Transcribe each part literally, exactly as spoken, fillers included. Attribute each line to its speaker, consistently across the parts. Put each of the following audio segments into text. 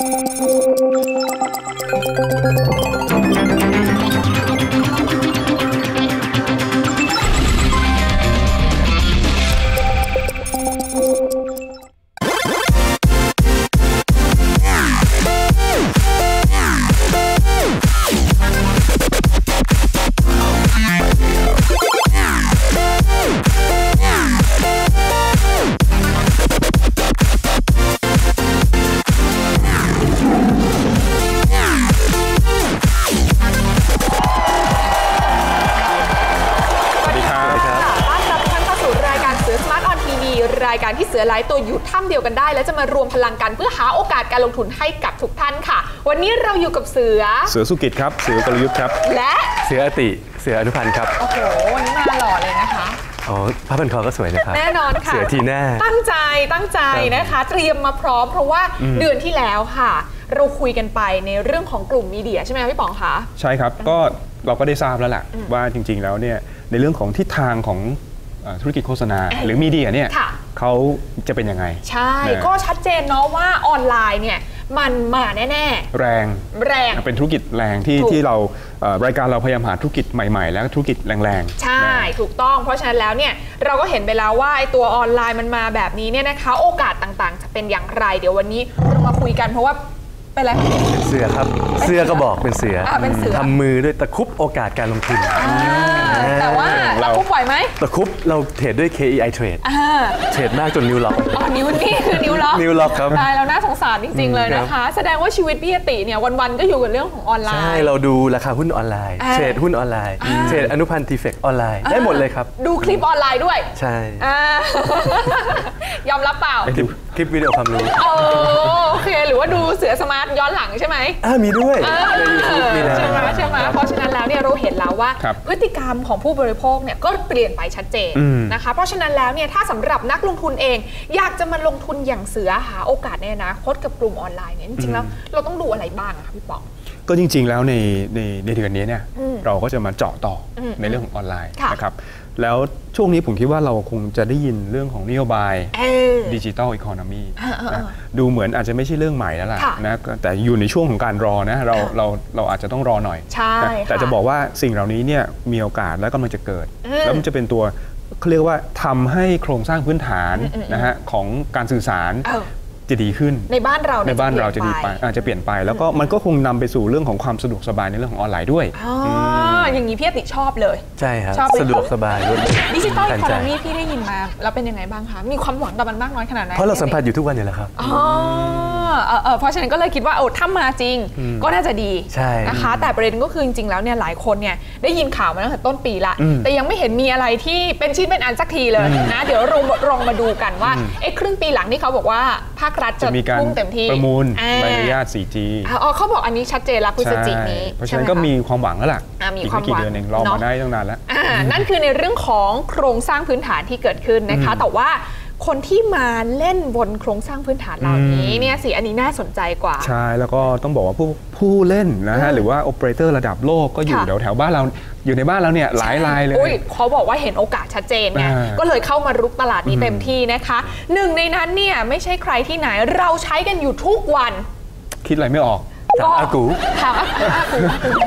Speaker 1: รายการที่เสือหลายตัวอยู่ถ้ำเดียวกันได้และจะมารวมพลังกันเพื่อหาโอกาสการลงทุนให้กับทุกท่านค่ะวันนี้เราอยู่กับเสือ
Speaker 2: เสือสุกิจครับเสือกลยุทธ์ครับ
Speaker 1: และ
Speaker 3: เสืออติเสืออนุพันธ์ครับ
Speaker 1: โอ้โหวันนี้มาหล่อเลยนะคะ
Speaker 3: อ๋อผ้าพันคอก็สวยนะครับ
Speaker 1: แน่นอนค่ะ
Speaker 3: เสือทีแน่
Speaker 1: ตั้งใจตั้งใจนะคะเตรียมมาพร้อมเพราะว่าเดือนที่แล้วค่ะเราคุยกันไปในเรื่องของกลุ่มมีเดียใช่ไหมพี่ป๋องคะ
Speaker 2: ใช่ครับก็เราก็ได้ทราบแล้วแหละว่าจริงๆแล้วเนี่ยในเรื่องของทิศทางของธุรกิจโฆษณาหรือมีเดียเนี่ยเขาจะเป็นยังไง
Speaker 1: ใช่ก็ชัดเจนเนาะว่าออนไลน์เนี่ยมันมาแน่
Speaker 2: ๆแรง
Speaker 1: แรง
Speaker 2: เป็นธุรกิจแรงที่ที่เรารายการเราพยายามหาธุรกิจใหม่ๆแล้วธุรกิจแรง
Speaker 1: ๆใช่ถูกต้องเพราะฉะนั้นแล้วเนี่ยเราก็เห็นไปแล้วว่าไอ้ตัวออนไลน์มันมาแบบนี้เนี่ยนะคะโอกาสต่างๆจะเป็นอย่างไรเดี๋ยววันนี้เรามาคุยกันเพราะว่าเป็นอะไร
Speaker 3: เป็นเสือครับเสือก็บอกเป็นเสือทำมือด้วยตะคุบโอกาสการลงทุน
Speaker 1: แต่ว่าตะคุบไหวไหม
Speaker 3: ตะคุบเราเทรดด้วย เค อี ไอ Trade เทรดมากจนนิ้วล็อก
Speaker 1: อ๋อนิ้วนี่คือนิ้วล็อก
Speaker 3: นิ้วล็อกครับ
Speaker 1: ตายแล้วน่าสงสารจริงๆเลยนะคะแสดงว่าชีวิตพี่ติเนี่ยวันๆก็อยู่กับเรื่องของออนไลน์
Speaker 3: ใช่เราดูราคาหุ้นออนไลน์เทรดหุ้นออนไลน์เทรดอนุพันธ์ทีเฟกออนไลน์ได้หมดเลยครับ
Speaker 1: ดูคลิปออนไลน์ด้วย
Speaker 3: ใช่
Speaker 1: ยอมรับเปล่า
Speaker 3: คลิปวิดีโอความรู้
Speaker 1: โอเคหรือว่าดูเสือสมาร์ทย้อนหลังใช่ไหม
Speaker 3: อ่ามีด้วยใน ยูทูบ มีแล้ว
Speaker 1: ใช่ไหมใช่ไหมเพราะฉะนั้นแล้วเนี่ยเราเห็นแล้วว่าพฤติกรรมของผู้บริโภคเนี่ยก็เปลี่ยนไปชัดเจนนะคะเพราะฉะนั้นแล้วเนี่ยถ้าสำหรับนักลงทุนเองอยากจะมาลงทุนอย่างเสือหาโอกาสในอนาคตกับกลุ่มออนไลน์เนี่ยจริงๆแล้วเราต้องดูอะไรบ้างคะพี่ป๋อง
Speaker 2: ก็จริงๆแล้วในในในเดือนนี้เนี่ยเราก็จะมาเจาะต่อในเรื่องของออนไลน์นะครับแล้วช่วงนี้ผมคิดว่าเราคงจะได้ยินเรื่องของนโยบายดิจิทัลอีโคโนมีดูเหมือนอาจจะไม่ใช่เรื่องใหม่แล้วล่ะนะแต่อยู่ในช่วงของการรอนะเราเราเราอาจจะต้องรอหน่อยแต่จะบอกว่าสิ่งเหล่านี้เนี่ยมีโอกาสและกำลังจะเกิดแล้วมันจะเป็นตัวเขาเรียกว่าทำให้โครงสร้างพื้นฐานนะฮะของการสื่อสารจะดีขึ้น
Speaker 1: ในบ้านเรา
Speaker 2: ในบ้านเราจะดีไปอาจจะเปลี่ยนไปแล้วก็มันก็คงนำไปสู่เรื่องของความสะดวกสบายในเรื่องของออนไลน์ด้วย
Speaker 1: อ๋ออย่างนี้พี่ติชอบเลย
Speaker 3: ใช่ครับสะดวกสบายด้วย
Speaker 1: ดิจิตอลอีโคโนมีพี่ได้ยินมาแล้วเป็นยังไงบ้างคะมีความหวังกับมันมากน้อยขนาดไหน
Speaker 3: เพราะเราสัมผัสอยู่ทุกวันอยู่แล้วครับ
Speaker 1: อ๋อเพราะฉะนั้นก็เลยคิดว่าโอ้ถ้ามาจริงก็น่าจะดีนะคะแต่ประเด็นก็คือจริงๆแล้วเนี่ยหลายคนเนี่ยได้ยินข่าวมาตั้งแต่ต้นปีละแต่ยังไม่เห็นมีอะไรที่เป็นชิ้นเป็นอันสักทีเลยนะเดี๋ยวเราลองมาดูกันว่าไอ้ครึ่งปีหลังที่เขาบอกว่าภาครัฐจะ
Speaker 2: พุ่งเต็มที่ประมูลใบอนุญาต โฟร์จี
Speaker 1: อ๋อเขาบอกอันนี้ชัดเจนแล้วพฤศจิกายนนี้
Speaker 2: เพราะฉะนั้นก็มีความหวังแล้วล่ะ
Speaker 1: อีกไม่กี่
Speaker 2: เดือนเองรอมาได้ตั้งนานแล้ว
Speaker 1: นั่นคือในเรื่องของโครงสร้างพื้นฐานที่เกิดขึ้นนะคะแต่ว่าคนที่มาเล่นบนโครงสร้างพื้นฐานเหล่านี้เนี่ยสิอันนี้น่าสนใจกว่า
Speaker 2: ใช่แล้วก็ต้องบอกว่าผู้ผู้เล่นนะฮะหรือว่าโอเปอเรเตอร์ระดับโลกก็อยู่แถวแถวบ้านเราอยู่ในบ้านเราเนี่ยหลายรายเลย
Speaker 1: เขาบอกว่าเห็นโอกาสชัดเจนไงก็เลยเข้ามารุกตลาดนี้เต็มที่นะคะหนึ่งในนั้นเนี่ยไม่ใช่ใครที่ไหนเราใช้กันอยู่ทุกวัน
Speaker 2: คิดอะไรไม่ออก
Speaker 3: ถามอากู
Speaker 1: ถามอากูอากู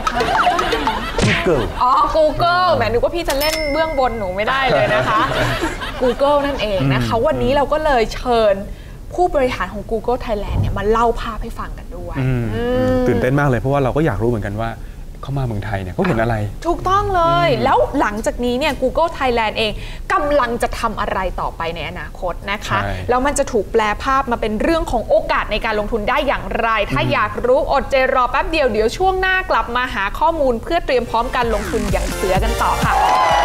Speaker 3: Google
Speaker 1: อ๋อ Google แหมนึกว่าพี่จะเล่นเบื้องบนหนูไม่ได้เลยนะคะ Google นั่นเองนะคะวันนี้เราก็เลยเชิญผู้บริหารของ Google Thailand เนี่ยมาเล่าภาพให้ฟังกันด้วย
Speaker 2: ตื่นเต้นมากเลยเพราะว่าเราก็อยากรู้เหมือนกันว่าเขามาเมืองไทยเนี่ยเขาเห็นอะไร
Speaker 1: ถูกต้องเลยแล้วหลังจากนี้เนี่ย Google Thailand เองกำลังจะทำอะไรต่อไปในอนาคตนะคะแล้วมันจะถูกแปลภาพมาเป็นเรื่องของโอกาสในการลงทุนได้อย่างไรถ้าอยากรู้อดใจรอแป๊บเดียวเดี๋ยวช่วงหน้ากลับมาหาข้อมูลเพื่อเตรียมพร้อมการลงทุนอย่างเสือกันต่อค่ะ